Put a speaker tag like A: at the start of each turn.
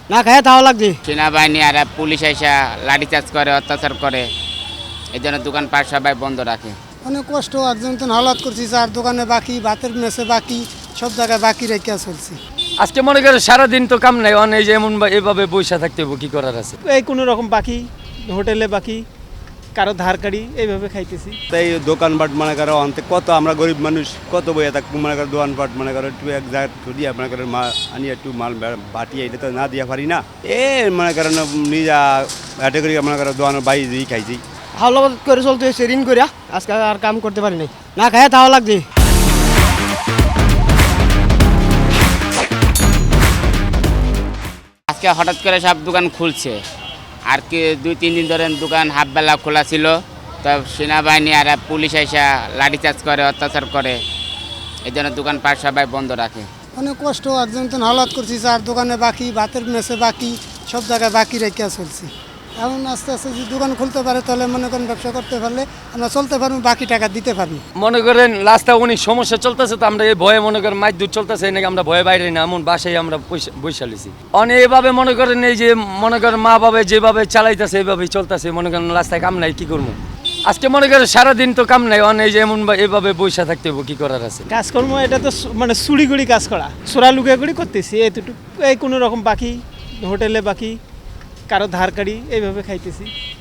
A: না খায় তাও লাগছে।
B: সেনাবাহিনী আর পুলিশ এসে লাঠিচার্জ করে, অত্যাচার করে, এই জন্য দোকানপাট সবাই বন্ধ রাখে।
A: অনেক কষ্ট, একজন তো হালাত করছি, চার দোকানে বাকি, ভাতের মেসে বাকি, সব জায়গায় বাকি রেখে চলছি।
C: আজকে মনে করে সারাদিন তো কাম নাই, অনেক যে এমন এভাবে বৈশা থাকতে হবে, কি করার আছে।
D: এই কোনো রকম বাকি, হোটেলে বাকি, কারো ধার কাড়ি, এইভাবে খাইতেছি।
E: তাই দোকানপাট মনে করো অন্তে কত আমরা গরিব মানুষ কত বইয়া থাকবো মনে করো দোকানপাট মনে করো একটু এক জায়গায় ঠুদিয়া মনে করো আনি একটু মাল বাটিয়ে এটা তো না দিয়া পারি না মনে করো নিজা হাটে করি মনে করো দোকানের বাইরে দিয়ে খাইছি।
A: হাওলাবাদ করে চলতে হয়েছে ঋণ করিয়া, আজকে আর কাম করতে পারি নাই। না খায় তাও লাগছে।
B: আজকে হঠাৎ করে সব দোকান খুলছে, আর কি 2-3 দিন ধরে দোকান হাফবেলা খোলা ছিল, তো সেনাবাহিনী আর পুলিশ এসে লাঠিচার্জ করে, অত্যাচার করে, এই জন্য দোকানপাট সবাই বন্ধ রাখে।
A: অনেক কষ্ট, একজন তো হালাত করছি, চার দোকানে বাকি, ভাতের মেসে বাকি, সব জায়গায় বাকি রেখে চলছি। এখন আস্তে আস্তে যদি দোকান খুলতে পারে তাহলে মনে করেন ব্যবসা করতে পারলে আমরা চলতে পারবো, বাকি টাকা দিতে পারবো।
C: মনে করেন রাস্তা অনেক সমস্যা চলতেছে, তো আমরা এই ভয়ে মনে করেন মাছ দূর চলতেছে নাকি আমরা ভয়ে বাইরে না, এমন বাসায় আমরা বৈশালিছি অনেক এভাবে মনে করেন এই যে মনে করেন মা বাবা যেভাবে চালাইতেছে এইভাবেই চলতেছে, মনে করেন রাস্তায় কাম নাই, কি করবো। আজকে মনে করেন সারাদিন তো কাম নাই, অনেক যে এমন এভাবে বৈশা থাকতে হবে, কি করার আছে।
D: কাজকর্ম এটা তো মানে চুরিগুড়ি কাজ করা, চোরা লুকিয়াগুড়ি করতেছি, এতটুকু। এই কোনো রকম বাকি, হোটেলে বাকি, কারো ধার কাড়ি, এইভাবে খাইতেছি।